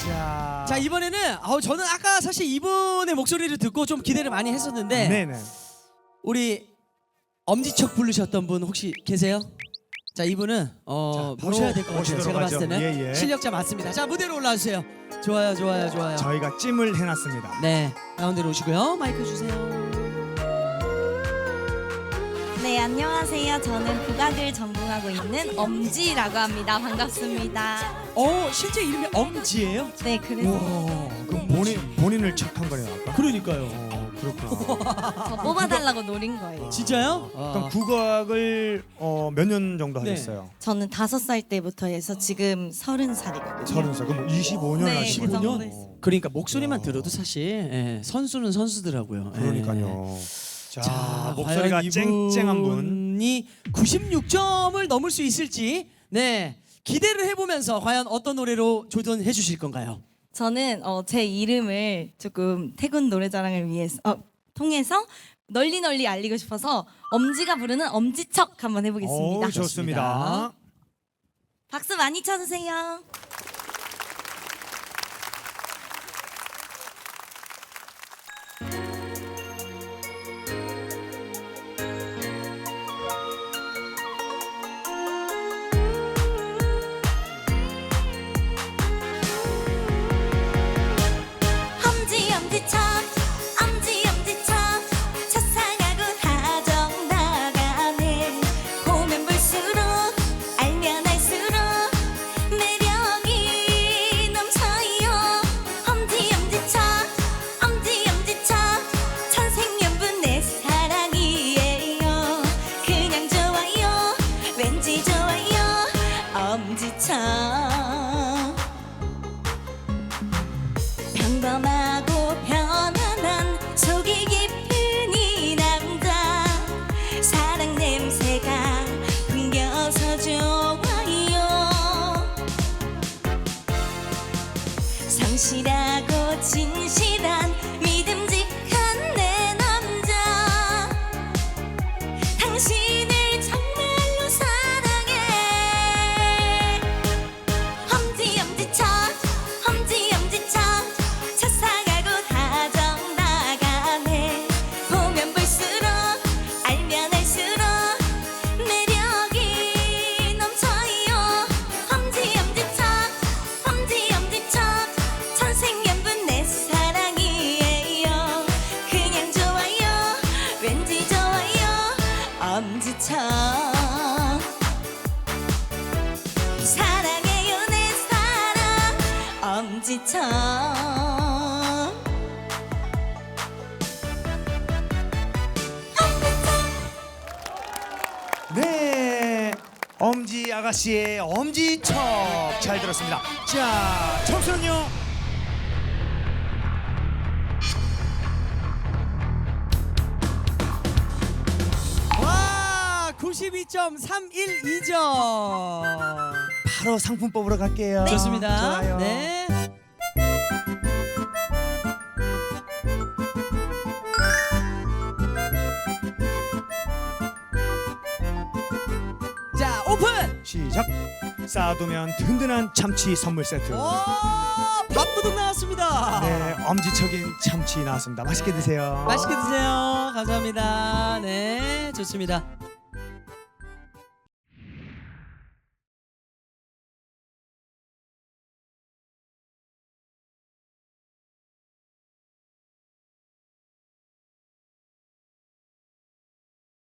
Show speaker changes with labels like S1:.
S1: 자 이번에는 저는 아까 사실 이분의 목소리를 듣고 좀 기대를 많이 했었는데
S2: 네네.
S1: 우리 엄지척 부르셨던 분 혹시 계세요? 자 이분은 모셔야 될 것 같아요.
S2: 모시도록
S1: 제가 봤을
S2: 하죠.
S1: 때는
S2: 예.
S1: 실력자 맞습니다. 자 무대로 올라와주세요. 좋아요.
S2: 저희가 찜을 해놨습니다.
S1: 네 가운데로 오시고요. 마이크 주세요.
S3: 네, 안녕하세요. 저는 국악을 전공하고 있는 엄지라고 합니다. 반갑습니다.
S1: 실제 이름이 엄지예요?
S3: 네, 그래서
S2: 그럼 본인을 척한 거네요 아까?
S1: 그러니까요.
S2: 그렇구나.
S3: 저 뽑아달라고 노린 거예요.
S1: 진짜요?
S2: 그럼 국악을 몇 년 정도
S1: 네.
S2: 하셨어요?
S3: 저는 5살 때부터 해서 지금 30살이거든요.
S2: 30살. 그럼 25년
S3: 네,
S2: 하신
S3: 그
S2: 거예요?
S3: 정도 했어요.
S1: 그러니까 목소리만 들어도 사실 선수는 선수더라고요.
S2: 그러니까요. 자,
S1: 자,
S2: 목소리가
S1: 과연
S2: 쨍쨍한 분.
S1: 이분이 96점을 넘을 수 있을지 기대를 해보면서 과연 어떤 노래로 조전해 주실 건가요?
S3: 저는 제 이름을 조금 태군 노래자랑을 위해서 통해서 널리 알리고 싶어서 엄지가 부르는 엄지척 한번 해보겠습니다.
S2: 좋습니다.
S3: 박수 많이 쳐주세요. 엄지척 첫사가고 다정 나가네. 보면 볼수록 알면 알수록 매력이 넘쳐요. 엄지척 천생연분 내 사랑이에요. 그냥 좋아요 왠지 좋아요 엄지척. 평범하고 편안한 속이 깊은 이 남자. 사랑 냄새가 풍겨서 좋아요. 성실하고 진실한 믿음직한 내 남자. 당신을 정말로 사랑해. 엄지척 첫사가고 다정 나가네. 보면 볼수록 알면 알수록 매력이 넘쳐요. 엄지척 천생연분 내 사랑이에요. 그냥 좋아요 왠지 좋아요 엄지척. 사랑해요 내 사랑 엄지척.
S2: 네, 엄지 아가씨의 엄지척 잘 들었습니다. 자, 점수는요?
S1: 와 92.312점.
S2: 바로 상품 뽑으러 갈게요.
S1: 좋습니다.
S2: 좋아요.
S1: 네. 자 오픈.
S2: 시작. 쌓아두면 든든한 참치 선물 세트.
S1: 밥도둑 나왔습니다.
S2: 네, 엄지척인 참치 나왔습니다. 맛있게 드세요.
S1: 맛있게 드세요. 감사합니다. 네, 좋습니다.